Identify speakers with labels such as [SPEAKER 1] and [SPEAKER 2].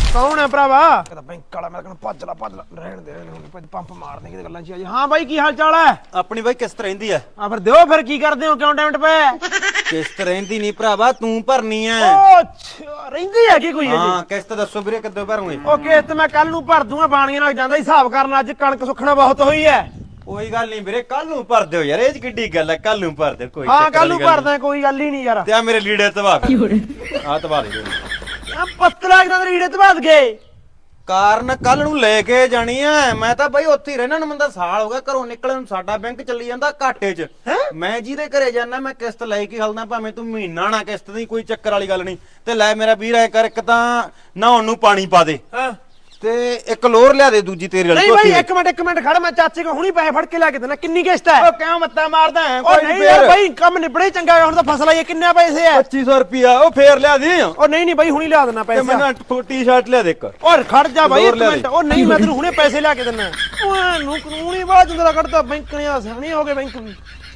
[SPEAKER 1] ਕੌਣ ਹੈ ਭਰਾਵਾ? ਕਹਿੰਦਾ ਬੈਂਕ ਵਾਲਾ। ਮੈਂ ਕਹਿੰਦਾ ਭੱਜ ਲਾ ਰਹਿਣ ਦੇ ਹੁਣ ਪੰਪ ਮਾਰਨੇ ਕਿਤੇ ਗੱਲਾਂ 'ਚ ਆ ਜੀ। ਹਾਂ ਬਾਈ ਕੀ ਹਾਲ ਚਾਲ ਹੈ?
[SPEAKER 2] ਆਪਣੀ ਬਾਈ ਕਿਸ਼ਤ ਰਹਿੰਦੀ ਆ।
[SPEAKER 1] ਆ ਫਿਰ ਦਿਓ ਫਿਰ ਕੀ ਕਰਦੇ ਹੋ ਕਿਉਂ ਟਾਈਮ ਟਪੇ?
[SPEAKER 2] ਕਿਸ਼ਤ ਰਹਿੰਦੀ ਨਹੀਂ ਭਰਾਵਾ, ਤੂੰ ਭਰਨੀ ਆ।
[SPEAKER 1] ਓ ਅੱਛਾ ਰਹਿੰਦੀ ਹੈ ਕੀ ਕੋਈ ਇਹ?
[SPEAKER 2] ਹਾਂ ਕਿਸ਼ਤ ਦੱਸੋ ਵੀਰੇ ਕਿੱਦੋਂ ਭਰੂਗੇ?
[SPEAKER 1] ਓਕੇ ਤੇ ਮੈਂ ਕੱਲ ਨੂੰ ਭਰ ਦੂੰਗਾ। ਬਾਣੀਆਂ ਨਾਲ ਜਾਂਦਾ ਹਿਸਾਬ ਕਰਨ। ਅੱਜ ਕਣਕ ਸੁੱਖਣਾ ਬਹੁਤ ਹੋਈ ਹੈ।
[SPEAKER 2] ਕੋਈ ਗੱਲ ਨਹੀਂ ਵੀਰੇ, ਕੱਲ ਨੂੰ ਭਰ ਦਿਓ ਯਾਰ, ਇਹ 'ਚ ਕਿੱਡੀ ਗੱਲ ਹੈ, ਕੱਲ ਨੂੰ ਭਰ ਦਿਓ। ਕੋਈ
[SPEAKER 1] ਹਾਂ
[SPEAKER 2] ਚੱਕਰ
[SPEAKER 1] ਕੱਲ ਨੂੰ
[SPEAKER 2] ਵਾਲੀ ਗੱਲ
[SPEAKER 1] ਭਰਦਾ ਕੋਈ ਗੱਲ ਹੀ ਨਹੀਂ ਯਾਰ।
[SPEAKER 2] ਤੇ ਆ ਮੇਰੇ ਲੀੜੇ ਤਵਾ ਆ ਤਵਾ ਦੇ
[SPEAKER 1] ਆ ਪਤਲਾ ਕਿਦਾਂ ਰੀੜੇ ਤੇ ਭੱਜ ਗਏ।
[SPEAKER 2] ਕਾਰਨ ਕੱਲ ਨੂੰ ਲੈ ਕੇ ਜਾਣੀ ਆ। ਮੈਂ ਤਾਂ ਬਾਈ ਉੱਥੇ ਹੀ ਰਹਿਣਾ ਨੂੰ, ਬੰਦਾ ਸਾਲ ਹੋ ਗਿਆ ਘਰੋਂ ਨਿਕਲਣ ਨੂੰ। ਸਾਡਾ ਬੈਂਕ ਚੱਲੀ ਜਾਂਦਾ ਘਾਟੇ 'ਚ। ਮੈਂ ਜਿਹਦੇ ਘਰੇ ਜਾਣਾ ਮੈਂ ਕਿਸ਼ਤ ਲੈ ਕੇ ਹਲਦਾ, ਭਾਵੇਂ ਤੂੰ ਮਹੀਨਾ ਨਾ ਕਿਸ਼ਤ ਦੀ, ਕੋਈ ਚੱਕਰ ਵਾਲੀ ਗੱਲ ਨਹੀਂ। ਤੇ ਲੈ ਮੇਰਾ ਵੀਰ ਐ ਕਰ, ਇੱਕ ਤਾਂ ਨਹਾਉਣ ਨੂੰ ਪਾਣੀ ਪਾ ਦੇ
[SPEAKER 1] ਹਾਂ
[SPEAKER 2] ਤੇ ਇੱਕ ਲੋਰ ਲਿਆ ਦੇ ਦੂਜੀ ਤੇਰੇ ਵਾਲੀ
[SPEAKER 1] ਨਹੀਂ ਬਾਈ ਇੱਕ ਮਿੰਟ ਖੜ। ਮੈਂ ਚਾਚੇ ਕੋ ਹੁਣੀ ਪੈਸੇ ਫੜ ਕੇ ਲੈ ਕੇ ਦੇਣਾ। ਕਿੰਨੀ ਕਿਸ਼ਤ ਹੈ?
[SPEAKER 2] ਉਹ ਕਿਉਂ ਮੱਤਾ ਮਾਰਦਾ ਹੈ?
[SPEAKER 1] ਉਹ ਨਹੀਂ ਯਾਰ ਬਾਈ ਕੰਮ ਨਿਬੜੇ ਚੰਗਾ। ਹੁਣ ਤਾਂ ਫਸਲ ਆਈ। ਕਿੰਨੇ ਪੈਸੇ ਹੈ?
[SPEAKER 2] 2500 ਰੁਪਿਆ। ਉਹ ਫੇਰ ਲਿਆ ਦੀ।
[SPEAKER 1] ਉਹ ਨਹੀਂ ਬਾਈ ਹੁਣੀ ਲਿਆ ਦੇਣਾ
[SPEAKER 2] ਤੇ
[SPEAKER 1] ਪੈਸੇ।
[SPEAKER 2] ਮੈਨੂੰ ਟੀ-ਸ਼ਰਟ ਲਿਆ ਦੇ ਇੱਕ।
[SPEAKER 1] ਔਰ ਖੜ ਜਾ ਬਾਈ ਇੱਕ
[SPEAKER 2] ਲੋਰ
[SPEAKER 1] ਮਿੰਟ। ਉਹ ਨਹੀਂ ਮੈਂ ਤੈਨੂੰ ਹੁਣੇ ਪੈਸੇ ਲਿਆ ਕੇ ਦੇਣਾ। ਉਹਨੂੰ ਕਾਨੂੰਨ ਹੀ ਬਾਅਦ ਜੰਦਰਾ ਕੱਢਦਾ ਬੈਂਕ ਨੇ। ਆਸਾਨੀ ਹੋ ਗਏ ਬੈਂਕ ਵੀ।